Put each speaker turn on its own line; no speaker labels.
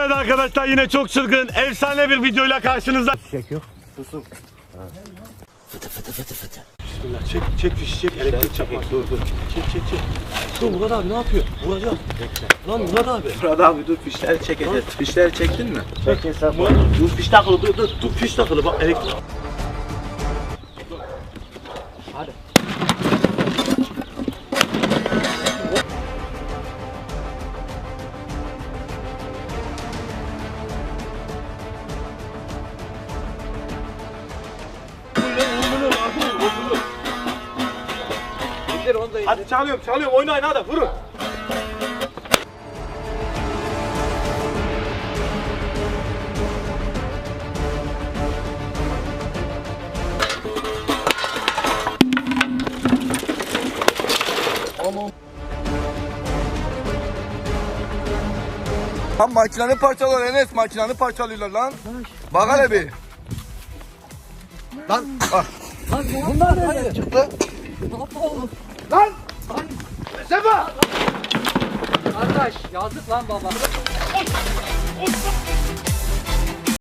Evet arkadaşlar, yine çok çılgın, efsane bir videoyla karşınızda.
Çek yok.
Susun. Bismillah, çek fişi, çek, elektrik çakmak. Dur. Çek. Dur Murat abi, ne yapıyor? Vuracağım. Lan Murat abi.
Murat abi dur, fişleri çekeceğiz. Fişleri çektin mi?
Çek hesap. Dur fiş takılı, dur fiş takılı, bak elektrik. Hadi. Hadi çalıyorum, oynayın hadi, vurun.
Lan makinanı parçalıyor Enes, makinanı parçalıyorlar lan. Bak hele bir. Lan bak.
Lan bunlar nereden çıktı? Lan! Sefa! Kardeş yazık lan baba.